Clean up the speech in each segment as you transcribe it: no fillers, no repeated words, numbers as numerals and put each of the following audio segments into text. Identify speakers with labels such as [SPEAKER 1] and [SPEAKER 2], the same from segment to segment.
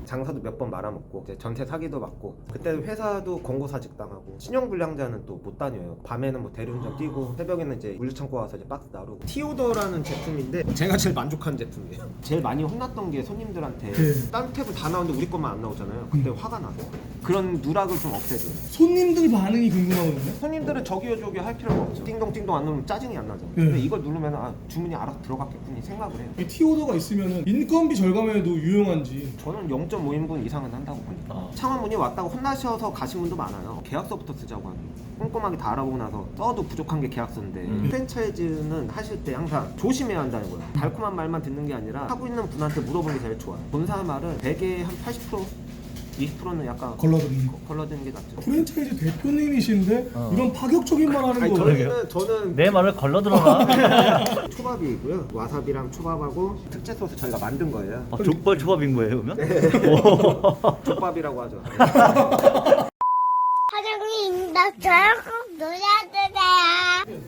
[SPEAKER 1] 장사도 몇 번 말아먹고 이제 전세 사기도 받고, 그때 회사도 권고사직 당하고, 신용불량자는 또 못 다녀요. 밤에는 뭐 대리운전 뛰고 새벽에는 이제 물류창고 와서 이제 박스 나르고. 티오더라는 제품인데 제가 제일 만족하는 제품이에요. 제일 많이 혼났던 게 손님들한테 다른 탭은 다 나오는데 우리 것만 안 나오잖아요. 그때 화가 나서 그런 누락을 좀 없애줘요.
[SPEAKER 2] 손님들 반응이 궁금하거든요.
[SPEAKER 1] 손님들은 저기요 저기요 할 필요가 없죠. 띵동띵동 안 누르면 짜증이 안 나죠. 근데 이걸 누르면 아, 주문이 알아서 들어갔겠군이 생각을 해요.
[SPEAKER 2] 이 티오더가 있으면 인건비 절감에도 유용한지.
[SPEAKER 1] 저는 0.5인분 이상은 한다고 봅니다. 창화문이 왔다고 혼나셔서 가신 분도 많아요. 계약서부터 쓰자고 하는. 꼼꼼하게 다 알아보고 나서 써도 부족한 게 계약서인데 프랜차이즈는 하실 때 항상 조심해야 한다는 거예요. 달콤한 말만 듣는 게 아니라 하고 있는 분한테 물어보는 게 제일 좋아요. 본사 말은 100에 한 80%? 20%는 약간
[SPEAKER 2] 걸러드는 거.
[SPEAKER 1] 걸러드는 게 낫죠.
[SPEAKER 2] 프랜차이즈 대표님이신데 이런 파격적인 말 하는
[SPEAKER 1] 아니,
[SPEAKER 2] 거.
[SPEAKER 1] 저는
[SPEAKER 3] 내 말을 걸러들어라.
[SPEAKER 1] 초밥이고요. 와사비랑 초밥하고 특제 소스 저희가 만든 거예요.
[SPEAKER 3] 족발 초밥인 거예요 그러면?
[SPEAKER 1] 족밥이라고 하죠.
[SPEAKER 4] 사장님, 나 저랑 꼭 놀아주세요.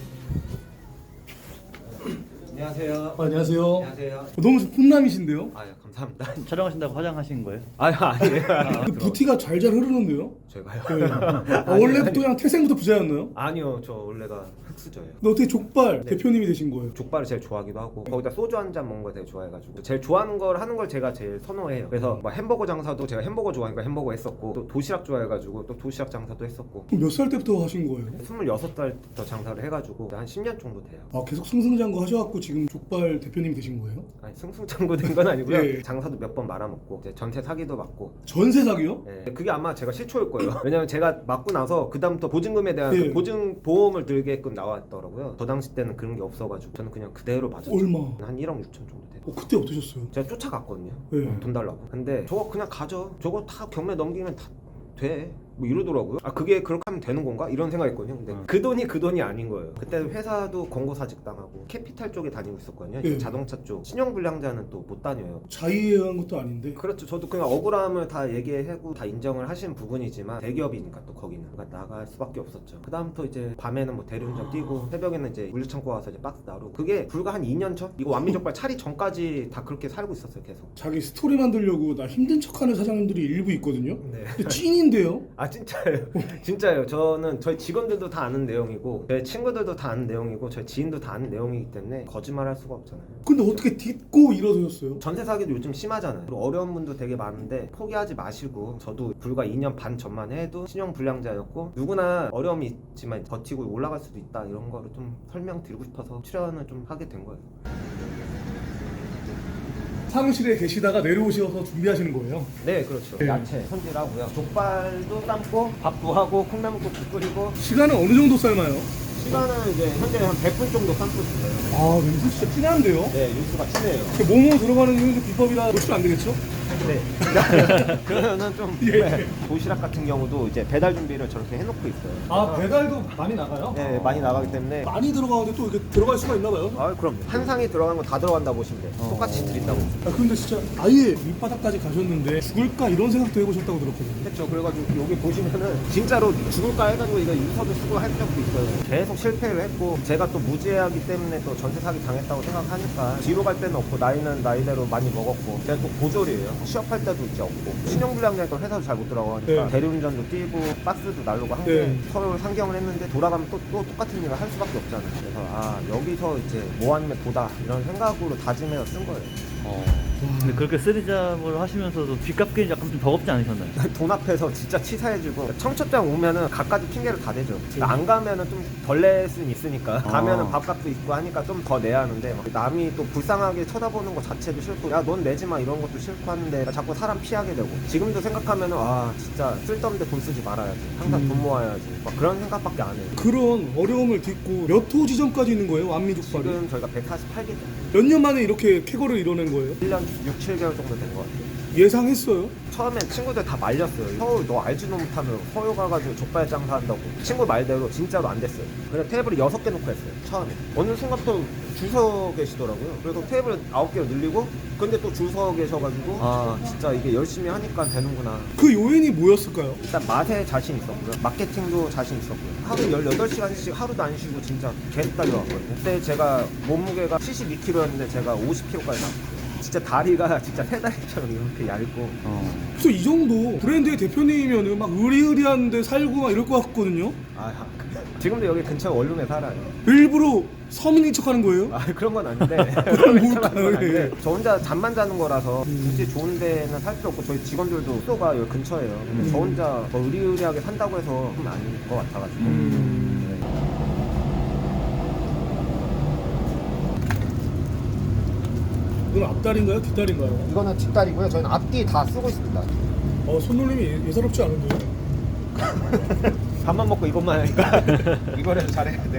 [SPEAKER 1] 안녕하세요.
[SPEAKER 2] 안녕하세요.
[SPEAKER 1] 안녕하세요.
[SPEAKER 2] 너무 훈남이신데요?
[SPEAKER 1] 아유 감사합니다.
[SPEAKER 3] 촬영하신다고 화장하신 거예요?
[SPEAKER 1] 아유 아니에요.
[SPEAKER 2] 그 부티가 잘잘 흐르는데요?
[SPEAKER 1] 제가요?
[SPEAKER 2] 네. 원래부터 그냥 태생부터 부자였나요?
[SPEAKER 1] 아니요, 저 원래가 흑수저예요.
[SPEAKER 2] 근데 어떻게 족발
[SPEAKER 1] 네.
[SPEAKER 2] 대표님이 되신 거예요?
[SPEAKER 1] 족발을 제일 좋아하기도 하고 거기다 소주 한 잔 먹는 걸 되게 좋아해가지고 제일 좋아하는 걸 하는 걸 제가 제일 선호해요. 그래서 뭐 햄버거 장사도 제가 햄버거 좋아하니까 햄버거 했었고, 또 도시락 좋아해가지고 또 도시락 장사도 했었고.
[SPEAKER 2] 그럼 몇 살 때부터 하신 거예요?
[SPEAKER 1] 26살부터 장사를 해가지고 한 10년 정도 돼요.
[SPEAKER 2] 아, 계속 승승장구 하셔갖고 지금 족발 대표님이 되신 거예요?
[SPEAKER 1] 아니 승승장구 된 건 아니고요.
[SPEAKER 2] 예.
[SPEAKER 1] 장사도 몇 번 말아먹고 이제 전세 사기도 받고.
[SPEAKER 2] 전세 사기요?
[SPEAKER 1] 네, 그게 아마 제가 실초일 거예요. 왜냐면 제가 맞고 나서 그 다음부터 보증금에 대한
[SPEAKER 2] 예.
[SPEAKER 1] 그 보증 보험을 들게끔 나왔더라고요. 저 당시 때는 그런 게 없어가지고 저는 그냥 그대로 맞았죠.
[SPEAKER 2] 얼마?
[SPEAKER 1] 한 1억 6천 정도 돼요.
[SPEAKER 2] 그때 어떠셨어요?
[SPEAKER 1] 제가 쫓아갔거든요.
[SPEAKER 2] 예.
[SPEAKER 1] 돈 달라고. 근데 저거 그냥 가져. 저거 다 경매 넘기면 다 돼. 뭐 이러더라고요. 아 그게 그렇게 하면 되는 건가? 이런 생각했거든요. 근데 그 돈이 아닌 거예요. 그때 회사도 권고사직 당하고 캐피탈 쪽에 다니고 있었거든요.
[SPEAKER 2] 예.
[SPEAKER 1] 자동차 쪽. 신용불량자는 또 못 다녀요.
[SPEAKER 2] 자의한 것도 아닌데.
[SPEAKER 1] 그렇죠. 저도 그냥 억울함을 다 얘기하고 다 인정을 하신 부분이지만 대기업이니까 또 거기는 그러니까 나갈 수밖에 없었죠. 그 다음부터 이제 밤에는 뭐 대리운전 뛰고 새벽에는 이제 물류창고 와서 이제 박스 나르고. 그게 불과 한 2년 전? 이거 완미족발 차리 전까지 다 그렇게 살고 있었어요. 계속.
[SPEAKER 2] 자기 스토리 만들려고 나 힘든 척하는 사장님들이 일부 있거든요.
[SPEAKER 1] 네.
[SPEAKER 2] 근데 찐인데요?
[SPEAKER 1] 아 진짜예요. 진짜예요. 저는 저희 직원들도 다 아는 내용이고 저희 친구들도 다 아는 내용이고 저희 지인도 다 아는 내용이기 때문에 거짓말할 수가 없잖아요.
[SPEAKER 2] 근데 어떻게 딛고 일어서셨어요?
[SPEAKER 1] 전세 사기도 요즘 심하잖아요. 그리고 어려운 분도 되게 많은데 포기하지 마시고, 저도 불과 2년 반 전만 해도 신용 불량자였고 누구나 어려움이 있지만 버티고 올라갈 수도 있다, 이런 거를 좀 설명드리고 싶어서 출연을 좀 하게 된 거예요.
[SPEAKER 2] 사무실에 계시다가 내려오셔서 준비하시는 거예요?
[SPEAKER 1] 네, 그렇죠.
[SPEAKER 2] 네.
[SPEAKER 1] 야채 손질하고요. 족발도 삶고 밥도 하고 콩나물국도 끓이고.
[SPEAKER 2] 시간은 어느 정도 삶아요?
[SPEAKER 1] 시간은 이제 현재 한 100분 정도 삶고 있어요.
[SPEAKER 2] 아, 냄새 진짜 진한데요?
[SPEAKER 1] 네, 육수가 진해요.
[SPEAKER 2] 뭐뭐 들어가는 게 비법이라 노출 안 되겠죠?
[SPEAKER 1] 네. 그러면은 좀
[SPEAKER 2] 예.
[SPEAKER 1] 도시락 같은 경우도 이제 배달 준비를 저렇게 해놓고 있어요.
[SPEAKER 2] 아, 배달도 많이 나가요?
[SPEAKER 1] 네, 많이 나가기 때문에.
[SPEAKER 2] 많이 들어가는데 또 이렇게 들어갈 수가 있나 봐요?
[SPEAKER 1] 아, 그럼 한 상이 들어간 거 다 들어간다 보시면 돼요. 똑같이 드린다고.
[SPEAKER 2] 아, 근데 진짜 아예 밑바닥까지 가셨는데 죽을까 이런 생각도 해보셨다고 들었거든요.
[SPEAKER 1] 했죠. 그래가지고 여기 보시면은 진짜로 죽을까 해가지고 이거 유서도 쓰고 할 적도 있어요. 계속 실패를 했고 제가 또 무지하기 때문에 또 전세 사기 당했다고 생각하니까 뒤로 갈 데는 없고 나이는 나이대로 많이 먹었고 제가 또 고졸이에요. 취업할 때도 이제 없고 신용불량자니까 회사도 잘 못 들어가니까
[SPEAKER 2] 네.
[SPEAKER 1] 대리운전도 뛰고 박스도 날르고 한 게
[SPEAKER 2] 네.
[SPEAKER 1] 서로 상경을 했는데 돌아가면 또 똑같은 일을 할 수밖에 없잖아요. 그래서 아 여기서 이제 뭐 아니면 도다 이런 생각으로 다짐해서 쓴 거예요.
[SPEAKER 3] 근데 그렇게 쓰리잡을 하시면서도 빚 갚기는 약간 좀 버겁지 않으셨나요?
[SPEAKER 1] 돈 앞에서 진짜 치사해지고 청첩장 오면은 갖가지 핑계를 다 대죠. 안 가면은 좀 덜 낼 수는 있으니까 가면은 밥값도 있고 하니까 좀 더 내야 하는데 막 남이 또 불쌍하게 쳐다보는 거 자체도 싫고 야 넌 내지 마 이런 것도 싫고 하는데 자꾸 사람 피하게 되고 지금도 생각하면은 아 진짜 쓸데없는데 돈 쓰지 말아야지 항상 돈 모아야지 막 그런 생각밖에 안 해요.
[SPEAKER 2] 그런 어려움을 딛고 몇 호 지점까지 있는 거예요? 완미족발이?
[SPEAKER 1] 지금 저희가 148개 정도
[SPEAKER 2] 몇 년 만에 이렇게 쾌거를 이뤄낸 거예요?
[SPEAKER 1] 1년 6, 7개월 정도 된 것 같아요.
[SPEAKER 2] 예상했어요?
[SPEAKER 1] 처음엔 친구들 다 말렸어요. 서울 너 알지도 못하면 서울 가가지고 족발 장사한다고. 친구 말대로 진짜로 안 됐어요. 그냥 테이블을 6개 놓고 했어요. 처음에. 어느 순간부터 줄 서 계시더라고요. 그래서 테이블 9개로 늘리고 근데 또 줄 서 계셔가지고 아 진짜 이게 열심히 하니까 되는구나.
[SPEAKER 2] 그 요인이 뭐였을까요?
[SPEAKER 1] 일단 맛에 자신 있었고요. 마케팅도 자신 있었고요. 하루 18시간씩 하루도 안 쉬고 진짜 계속 달려왔거든요. 그때 제가 몸무게가 72kg였는데 제가 50kg까지 나왔어요. 진짜 다리가 진짜 새다리처럼 이렇게 얇고.
[SPEAKER 2] 그래서 이 정도 브랜드의 대표님이면은 막 의리의리한데 살고 막 이럴 것 같거든요.
[SPEAKER 1] 아, 지금도 여기 근처 원룸에 살아요.
[SPEAKER 2] 일부러 서민인 척하는 거예요?
[SPEAKER 1] 아, 그런 건 아닌데.
[SPEAKER 2] 그럼
[SPEAKER 1] 그런 건
[SPEAKER 2] 뭘까요?
[SPEAKER 1] 아닌데. 저 혼자 잠만 자는 거라서 굳이 좋은 데는 살 필요 없고 저희 직원들도 숙소가 여기 근처예요. 근데 저 혼자 뭐 의리의리하게 산다고 해서 좀 아닐 것 같아가지고. 네.
[SPEAKER 2] 이건 앞다리인가요? 뒷다리인가요?
[SPEAKER 1] 이거는 뒷다리고요. 저희는 앞뒤 다 쓰고 있습니다.
[SPEAKER 2] 손놀림이 예사롭지 않은데요?
[SPEAKER 1] 밥만 먹고 이것만 하니까 이거라도 잘해야 돼.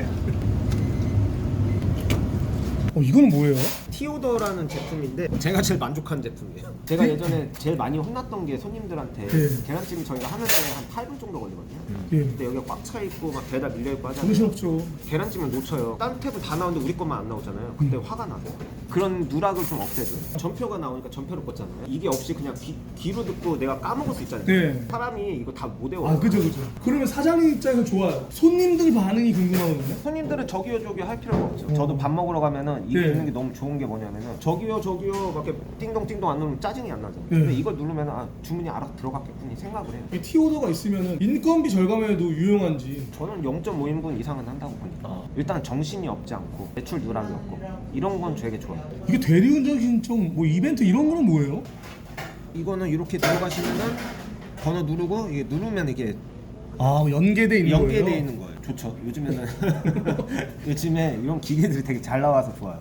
[SPEAKER 2] 이건 뭐예요?
[SPEAKER 1] 티오더라는 제품인데 제가 제일 만족한 제품이에요. 제가 예전에 제일 많이 혼났던 게 손님들한테
[SPEAKER 2] 네.
[SPEAKER 1] 계란찜 저희가 하는데 한 8분 정도 걸리거든요.
[SPEAKER 2] 예.
[SPEAKER 1] 근데 여기가 꽉 차 있고 막 배달 밀려 있고 하잖아요.
[SPEAKER 2] 정신없죠.
[SPEAKER 1] 계란찜을 놓쳐요. 다른 탭은 다 나오는데 우리 것만 안 나오잖아요. 그때 화가 나서 그런 누락을 좀 없애줘요. 전표가 나오니까 전표를 꽂잖아요. 이게 없이 그냥 귀로 듣고 내가 까먹을 수 있잖아요.
[SPEAKER 2] 네.
[SPEAKER 1] 사람이 이거 다 못 외워요.
[SPEAKER 2] 그죠. 그러면 사장님 입장에서 좋아요. 손님들 반응이 궁금하거든요.
[SPEAKER 1] 손님들은 저기요 저기요 할 필요가 없죠. 저도 밥 먹으러 가면은 이게
[SPEAKER 2] 네.
[SPEAKER 1] 있는 게 너무 좋은 게 뭐냐면은 저기요 막 이렇게 띵동띵동 안 누르면 짜증이 안 나잖아요.
[SPEAKER 2] 네.
[SPEAKER 1] 근데 이걸 누르면은 주문이 알아서 들어갔겠군이 생각을 해요.
[SPEAKER 2] 이 티오더가 있으면 인건비 절감에도 유용한지.
[SPEAKER 1] 저는 0.5인분 이상은 한다고 보니까 일단 정신이 없지 않고 매출 누락이 없고 이런 건 되게 좋아요.
[SPEAKER 2] 이게 대리운전 신청 뭐 이벤트 이런 거는 뭐예요?
[SPEAKER 1] 이거는 이렇게 들어가시면은 번호 누르고 이게 누르면 이게
[SPEAKER 2] 연계돼 있는 거예요?
[SPEAKER 1] 연계되어 있는 거예요. 좋죠. 요즘에는 요즘에 이런 기계들이 되게 잘 나와서 좋아요.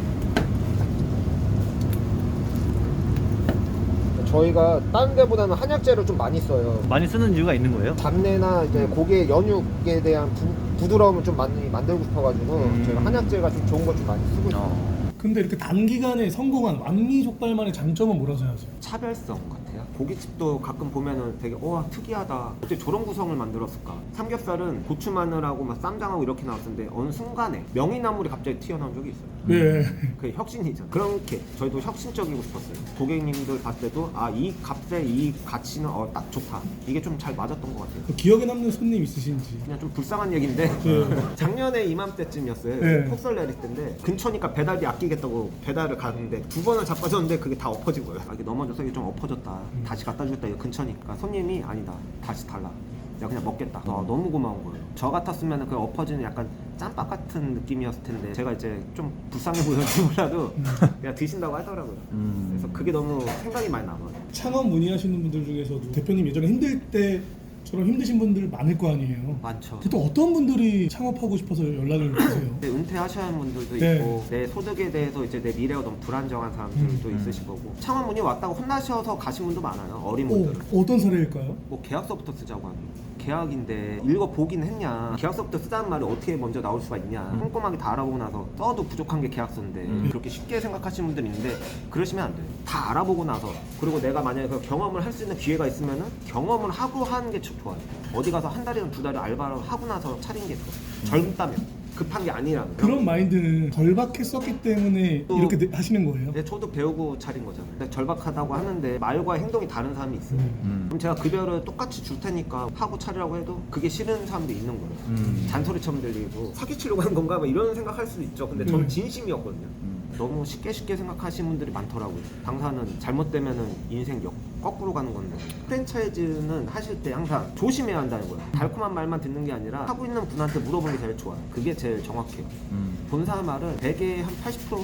[SPEAKER 1] 저희가 다른 데보다는 한약재를 좀 많이 써요.
[SPEAKER 3] 많이 쓰는 이유가 있는 거예요?
[SPEAKER 1] 잡내나 이제 고기의 연육에 대한 부드러움을 좀 많이 만들고 싶어가지고 저희가 한약재가 좀 좋은 걸 좀 많이 쓰고 있어요.
[SPEAKER 2] 근데 이렇게 단기간에 성공한 완미족발만의 장점은 뭐라고 생각하세요?
[SPEAKER 1] 차별성 같아요. 고깃집도 가끔 보면은 되게 특이하다. 어떻게 저런 구성을 만들었을까? 삼겹살은 고추 마늘하고 막 쌈장하고 이렇게 나왔는데 어느 순간에 명이나물이 갑자기 튀어나온 적이 있어요.
[SPEAKER 2] 네.
[SPEAKER 1] 그게 혁신이잖아요. 그렇게 저희도 혁신적이고 싶었어요. 고객님들 봤을 때도 이 값에 이 가치는 딱 좋다. 이게 좀 잘 맞았던 것 같아요.
[SPEAKER 2] 기억에 남는 손님 있으신지?
[SPEAKER 1] 그냥 좀 불쌍한 얘기인데 작년에 이맘때쯤이었어요.
[SPEAKER 2] 네.
[SPEAKER 1] 폭설 내릴 때인데 근처니까 배달비 아끼겠다고 배달을 가는데 2번을 자빠졌는데 그게 다 엎어진 거예요. 이게 넘어져서 이게 좀 엎어졌다. 다시 갖다 주겠다. 이거 근처니까 손님이 아니다. 다시 달라. 내가 그냥 먹겠다. 너무 고마운 거예요. 저 같았으면 그 엎어지는 약간 짬밥 같은 느낌이었을 텐데 제가 이제 좀 불쌍해 보였는지 몰라도 그냥 드신다고 하더라고요. 그래서 그게 너무 생각이 많이 남아요.
[SPEAKER 2] 창업 문의하시는 분들 중에서도 대표님 예전에 힘들 때처럼 힘드신 분들 많을 거 아니에요?
[SPEAKER 1] 많죠.
[SPEAKER 2] 보통 어떤 분들이 창업하고 싶어서 연락을 주세요?
[SPEAKER 1] 네, 은퇴하셔야 하는 분들도
[SPEAKER 2] 네.
[SPEAKER 1] 있고 내 소득에 대해서 이제 내 미래가 너무 불안정한 사람들도 있으실 거고 창업 문의 왔다고 혼나셔서 가신 분도 많아요. 어린 분들은.
[SPEAKER 2] 어떤 사례일까요?
[SPEAKER 1] 뭐 계약서부터 쓰자고 하는 계약인데 읽어보긴 했냐, 계약서부터 쓰자는 말이 어떻게 먼저 나올 수가 있냐, 꼼꼼하게 다 알아보고 나서 써도 부족한 게 계약서인데 그렇게 쉽게 생각하시는 분들이 있는데 그러시면 안 돼요. 다 알아보고 나서, 그리고 내가 만약에 그 경험을 할 수 있는 기회가 있으면은 경험을 하고 하는 게 좋아요. 어디 가서 한 달이나 두 달을 알바를 하고 나서 차린 게 좋아요. 젊다면 급한 게 아니라면.
[SPEAKER 2] 그런 마인드는 절박했었기 때문에
[SPEAKER 1] 또-
[SPEAKER 2] 이렇게 하시는 거예요?
[SPEAKER 1] 네, 저도 배우고 차린 거잖아요. 근데 절박하다고 하는데 말과 행동이 다른 사람이 있어요.
[SPEAKER 3] 음.
[SPEAKER 1] 그럼 제가 급여를 똑같이 줄 테니까 하고 차리라고 해도 그게 싫은 사람도 있는 거예요. 잔소리처럼 들리고 사기치려고 하는 건가 막 이런 생각할 수도 있죠. 근데 저는 진심이었거든요. 너무 쉽게 생각하시는 분들이 많더라고요. 당사는 잘못되면은 인생 거꾸로 가는 건데, 프랜차이즈는 하실 때 항상 조심해야 한다는 거예요. 달콤한 말만 듣는 게 아니라 하고 있는 분한테 물어보는 게 제일 좋아요. 그게 제일 정확해요. 본사 말은 100에 한 80%?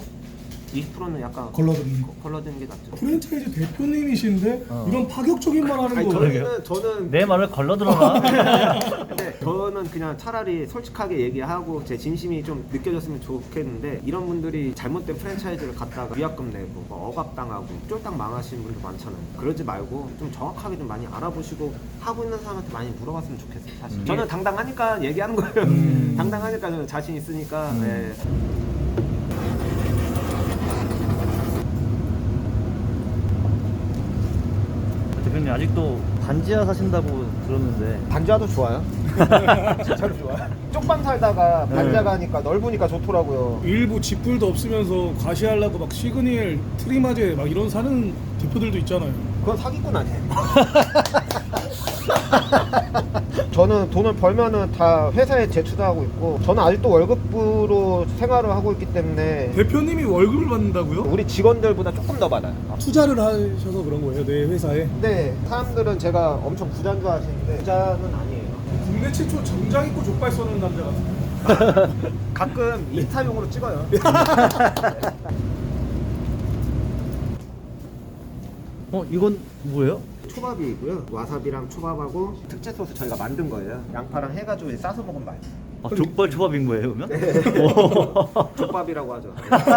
[SPEAKER 1] 20%는 약간
[SPEAKER 2] 걸러드는 거.
[SPEAKER 1] 걸러드는 게 낫죠.
[SPEAKER 2] 프랜차이즈 대표님이신데 이런 파격적인 말 하는
[SPEAKER 1] 아니,
[SPEAKER 2] 거
[SPEAKER 1] 저는
[SPEAKER 3] 내 말을 걸러들어라.
[SPEAKER 1] 근데 저는 그냥 차라리 솔직하게 얘기하고 제 진심이 좀 느껴졌으면 좋겠는데, 이런 분들이 잘못된 프랜차이즈를 갖다가 위약금 내고 뭐 억압당하고 쫄딱 망하시는 분들 많잖아요. 그러지 말고 좀 정확하게 좀 많이 알아보시고 하고 있는 사람한테 많이 물어봤으면 좋겠어요. 사실 저는 당당하니까 얘기하는 거예요. 당당하니까 저는 자신 있으니까. 네.
[SPEAKER 3] 대표님 아직도 반지하 사신다고 들었는데
[SPEAKER 1] 반지하도 좋아요. 진짜로 좋아요. 쪽방 살다가 반지하 가니까 넓으니까 좋더라고요.
[SPEAKER 2] 일부 집불도 없으면서 과시하려고 막 시그니엘, 트리마제 막 이런 사는 대표들도 있잖아요.
[SPEAKER 1] 그건 사기꾼 아니에요? 저는 돈을 벌면은 다 회사에 제출하고 있고, 저는 아직도 월급으로 생활을 하고 있기 때문에
[SPEAKER 2] 대표님이 월급을 받는다고요?
[SPEAKER 1] 우리 직원들보다 조금 더 받아요.
[SPEAKER 2] 투자를 하셔서 그런 거예요, 내 회사에?
[SPEAKER 1] 근데 사람들은 제가 엄청 부자인 줄 아시는데 부자는 아니에요.
[SPEAKER 2] 국내 최초 정장 입고 족발 쏘는 남자 같은데.
[SPEAKER 1] 가끔 인스타용으로 찍어요.
[SPEAKER 3] 이건 뭐예요?
[SPEAKER 1] 초밥이고요. 와사비랑 초밥하고 특제 소스 저희가 만든 거예요. 양파랑 해가지고 싸서 먹으면 맛있어요.
[SPEAKER 3] 아, 족발 초밥인 거예요, 그러면?
[SPEAKER 1] 족밥이라고 하죠.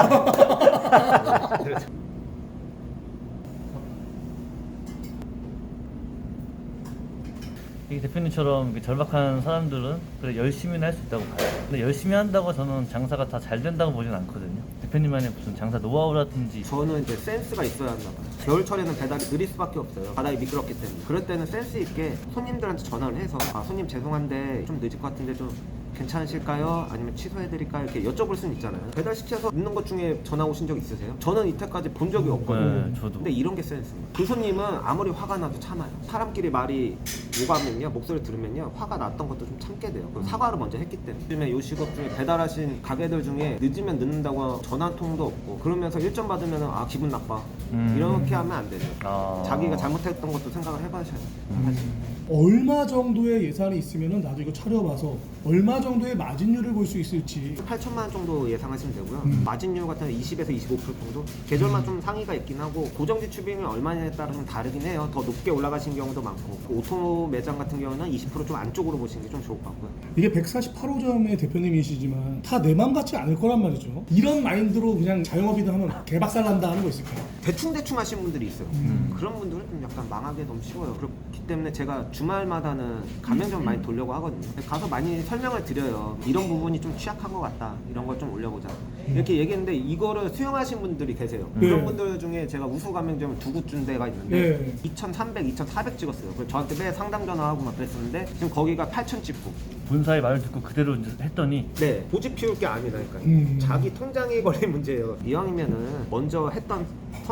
[SPEAKER 3] 이 대표님처럼 이렇게 절박한 사람들은 그래 열심히는 할 수 있다고 봐요. 근데 열심히 한다고 저는 장사가 다 잘 된다고 보진 않거든요. 대표님만의 무슨 장사 노하우라든지.
[SPEAKER 1] 저는 이제 센스가 있어야 한다 봐요. 겨울철에는 배달이 느릴 수밖에 없어요. 바닥이 미끄럽기 때문에. 그럴 때는 센스 있게 손님들한테 전화를 해서 손님 죄송한데 좀 늦을 것 같은데 좀 괜찮으실까요? 아니면 취소해드릴까요? 이렇게 여쭤볼 수는 있잖아요. 배달시켜서 늦는 것 중에 전화 오신 적 있으세요? 저는 이때까지 본 적이 없거든요.
[SPEAKER 3] 네, 저도.
[SPEAKER 1] 근데 이런 게 센스입니다. 그 손님은 아무리 화가 나도 참아요. 사람끼리 말이 오가면요, 목소리 들으면요, 화가 났던 것도 좀 참게 돼요. 그리고 사과를 먼저 했기 때문에. 요즘에 요 직업 중에 배달하신 가게들 중에 늦으면 늦는다고 전화 한 통도 없고, 그러면서 일점 받으면 기분 나빠. 이렇게 하면 안 되죠. 자기가 잘못했던 것도 생각을 해봐셔야 돼요. 사실.
[SPEAKER 2] 얼마 정도의 예산이 있으면은 나도 이거 차려봐서 얼마 정도의 마진율을 볼 수 있을지.
[SPEAKER 1] 8천만 원 정도 예상하시면 되고요. 마진율 같은 경우 20에서 25% 정도? 계절만 좀 상위가 있긴 하고, 고정 지출비용이 얼마냐에 따라 좀 다르긴 해요. 더 높게 올라가신 경우도 많고, 오토 매장 같은 경우는 20% 좀 안쪽으로 보시는 게 좀 좋을 것 같고요.
[SPEAKER 2] 이게 148호점의 대표님이시지만 다 내 맘 같지 않을 거란 말이죠. 이런 마인드로 그냥 자영업이든 하면 개박살난다 하는 거 있을까요?
[SPEAKER 1] 대충 하시는 분들이 있어요. 그런 분들은 좀 약간 망하기 너무 쉬워요. 그렇기 때문에 제가 주말마다는 가맹점 많이 돌려고 하거든요. 가서 많이 설명을 드려요. 이런 부분이 좀 취약한 것 같다. 이런 걸 좀 올려보자. 이렇게 얘기했는데 이거를 수용하신 분들이 계세요. 그런 분들 중에 제가 우수 가맹점을 두 곳 준 데가 있는데 2,300, 2,400 찍었어요. 그래서 저한테 매 상담 전화하고 막 그랬었는데 지금 거기가 8,000 찍고.
[SPEAKER 3] 본사의 말을 듣고 그대로 이제 했더니
[SPEAKER 1] 네, 고집 피울 게 아니라니까요. 자기 통장에 걸린 문제예요. 이왕이면은 먼저 했던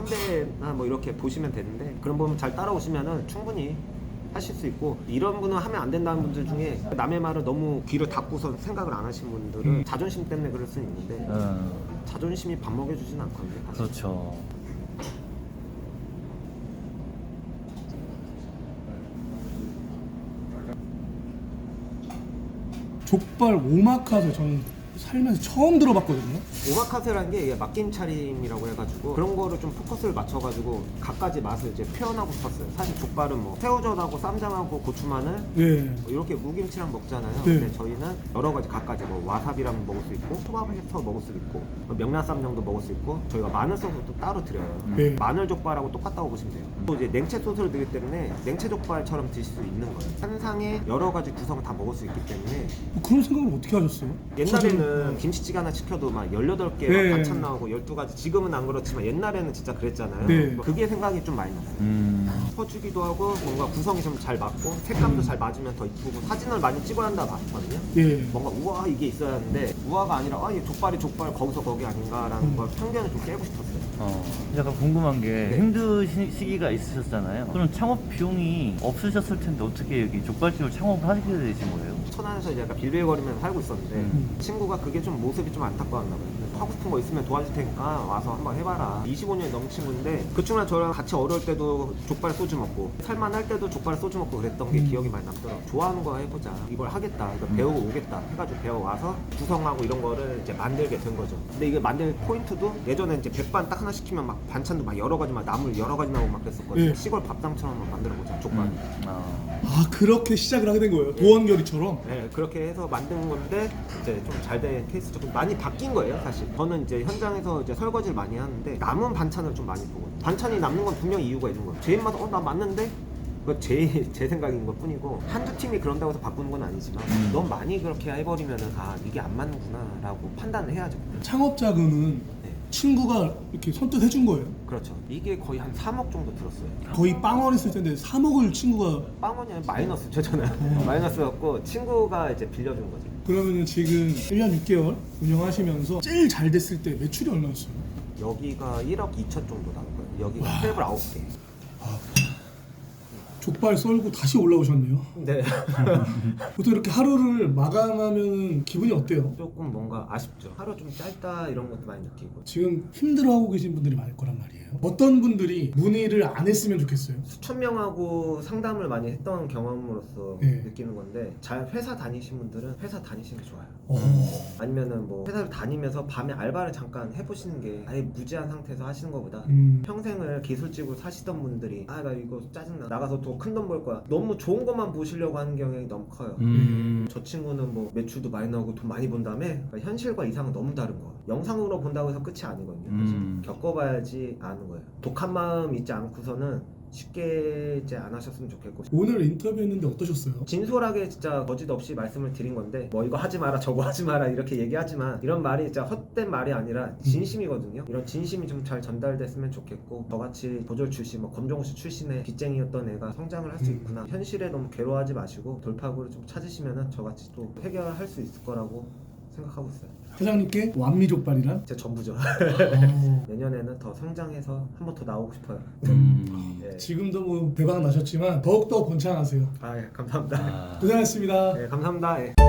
[SPEAKER 1] 선배나 뭐 이렇게 보시면 되는데, 그런 부분 잘 따라오시면은 충분히 하실 수 있고, 이런 분은 하면 안 된다는 분들 중에 남의 말을 너무 귀를 닫고서 생각을 안 하신 분들은 자존심 때문에 그럴 수는 있는데 자존심이 밥 먹여주진 않거든요. 사실.
[SPEAKER 3] 그렇죠.
[SPEAKER 2] 족발 오마카세 저는 살면서 처음 들어봤거든요.
[SPEAKER 1] 오마카세라는 게 이게 맡김 차림이라고 해가지고 그런 거를 좀 포커스를 맞춰가지고 갖가지 맛을 이제 표현하고 싶었어요. 사실 족발은 뭐 새우젓하고 쌈장하고 고추마늘
[SPEAKER 2] 네.
[SPEAKER 1] 뭐 이렇게 무김치랑 먹잖아요.
[SPEAKER 2] 네.
[SPEAKER 1] 근데 저희는 여러 가지 갖가지 뭐 와사비랑 먹을 수 있고, 초밥을 해서 먹을 수 있고, 명란쌈장도 먹을 수 있고, 저희가 마늘 소스도 따로 드려요.
[SPEAKER 2] 네.
[SPEAKER 1] 마늘 족발하고 똑같다고 보시면 돼요. 또 이제 냉채 소스를 드리기 때문에 냉채 족발처럼 드실 수 있는 거예요. 한 상에 여러 가지 구성을 다 먹을 수 있기 때문에.
[SPEAKER 2] 그런 생각을 어떻게 하셨어요?
[SPEAKER 1] 옛날에는 김치찌개 하나 시켜도 막 18개
[SPEAKER 2] 네.
[SPEAKER 1] 반찬 나오고 12가지, 지금은 안 그렇지만 옛날에는 진짜 그랬잖아요.
[SPEAKER 2] 네.
[SPEAKER 1] 그게 생각이 좀 많이 났어요. 퍼주기도 하고 뭔가 구성이 좀 잘 맞고 색감도 잘 맞으면 더 이쁘고, 사진을 많이 찍어야 한다 봤거든요.
[SPEAKER 2] 예.
[SPEAKER 1] 뭔가 우와 이게 있어야 하는데 우아가 아니라 얘 족발이 족발 거기서 거기 아닌가라는 걸 편견을 좀 깨고 싶었어요.
[SPEAKER 3] 약간 궁금한 게
[SPEAKER 1] 네.
[SPEAKER 3] 힘드신 시기가 있으셨잖아요. 그럼 창업 비용이 없으셨을 텐데 어떻게 여기 족발집을 창업을 하시게 되신 거예요?
[SPEAKER 1] 천안에서 이제 약간 빌빌거리면서 살고 있었는데 친구가 그게 좀 모습이 좀 안타까웠나 봐요. 하고 싶은 거 있으면 도와줄 테니까 와서 한번 해봐라. 25년이 넘은 친구인데 그 친구랑 저랑 같이 어려울 때도 족발 소주 먹고, 살만할 때도 족발 소주 먹고 그랬던 게 기억이 많이 남더라고요. 좋아하는 거 해보자, 이걸 하겠다, 이거 배우고 오겠다 해가지고 배워와서 구성하고 이런 거를 이제 만들게 된 거죠. 근데 이게 만들 포인트도 예전에 이제 백반 딱 하나 시키면 막 반찬도 막 여러 가지, 막 나물 여러 가지 나오고 막 그랬었거든요.
[SPEAKER 2] 네.
[SPEAKER 1] 시골 밥상처럼 한번 만들어보자, 족발.
[SPEAKER 2] 아, 그렇게 시작을 하게 된 거예요. 도원결의처럼.
[SPEAKER 1] 네, 그렇게 해서 만든 건데 이제 좀 잘 된 케이스죠. 좀 많이 바뀐 거예요, 사실. 저는 이제 현장에서 이제 설거지를 많이 하는데 남은 반찬을 좀 많이 보거든요. 반찬이 남는 건 분명히 이유가 있는 거예요. 제 입맛 나 맞는데. 그거 제 생각인 것 뿐이고, 한두 팀이 그런다고 해서 바꾸는 건 아니지만 너무 많이 그렇게 해버리면은 이게 안 맞는구나 라고 판단을 해야죠.
[SPEAKER 2] 창업 자금은
[SPEAKER 1] 네,
[SPEAKER 2] 친구가 이렇게 선뜻 해준 거예요.
[SPEAKER 1] 그렇죠. 이게 거의 한 3억 정도 들었어요.
[SPEAKER 2] 거의 빵원 했을 텐데 3억을 친구가.
[SPEAKER 1] 빵원이 아니라 마이너스죠, 저는. 마이너스였고 친구가 이제 빌려준 거죠.
[SPEAKER 2] 그러면 지금 1년 6개월 운영하시면서 제일 잘 됐을 때 매출이 얼마였어요?
[SPEAKER 1] 여기가 1억 2천 정도 나올 거예요. 여기가 테이블 9개.
[SPEAKER 2] 족발 썰고 다시 올라오셨네요.
[SPEAKER 1] 네.
[SPEAKER 2] 보통 이렇게 하루를 마감하면 기분이 어때요?
[SPEAKER 1] 조금 뭔가 아쉽죠. 하루 좀 짧다 이런 것도 많이 느끼고.
[SPEAKER 2] 지금 힘들어하고 계신 분들이 많을 거란 말이에요. 어떤 분들이 문의를 안 했으면 좋겠어요?
[SPEAKER 1] 수천 명하고 상담을 많이 했던 경험으로서
[SPEAKER 2] 네.
[SPEAKER 1] 느끼는 건데 잘 회사 다니신 분들은 회사 다니시는 게 좋아요.
[SPEAKER 2] 어...
[SPEAKER 1] 아니면은 뭐 회사를 다니면서 밤에 알바를 잠깐 해보시는 게 아예 무제한 상태에서 하시는 것보다 평생을 기술직으로 사시던 분들이 아 나 이거 짜증나 나가서 더 큰 돈 벌 거야 너무 좋은 것만 보시려고 하는 경향이 너무 커요. 저 친구는 뭐 매출도 많이 나오고 돈 많이 번 다음에 그러니까 현실과 이상은 너무 다른 거예요. 영상으로 본다고 해서 끝이 아니거든요. 사실. 겪어봐야지 아는 거예요. 독한 마음 있지 않고서는 쉽게 이제 안 하셨으면 좋겠고.
[SPEAKER 2] 오늘 인터뷰했는데 어떠셨어요?
[SPEAKER 1] 진솔하게 진짜 거짓 없이 말씀을 드린 건데 뭐 이거 하지 마라 저거 하지 마라 이렇게 얘기하지만 이런 말이 진짜 헛된 말이 아니라 진심이거든요. 이런 진심이 좀 잘 전달됐으면 좋겠고 저같이 도졸 출신 뭐 검정고시 출신의 빚쟁이였던 애가 성장을 할 수 있구나. 현실에 너무 괴로워하지 마시고 돌파구를 좀 찾으시면은 저같이 또 해결할 수 있을 거라고 생각하고 있어요.
[SPEAKER 2] 사장님께 완미족발이란?
[SPEAKER 1] 제 전부죠.
[SPEAKER 2] 어...
[SPEAKER 1] 내년에는 더 성장해서 한 번 더 나오고 싶어요. 예.
[SPEAKER 2] 지금도 뭐 대박 나셨지만 더욱더 번창하세요.
[SPEAKER 1] 아, 예, 감사합니다.
[SPEAKER 2] 고생하셨습니다.
[SPEAKER 1] 예, 감사합니다. 예.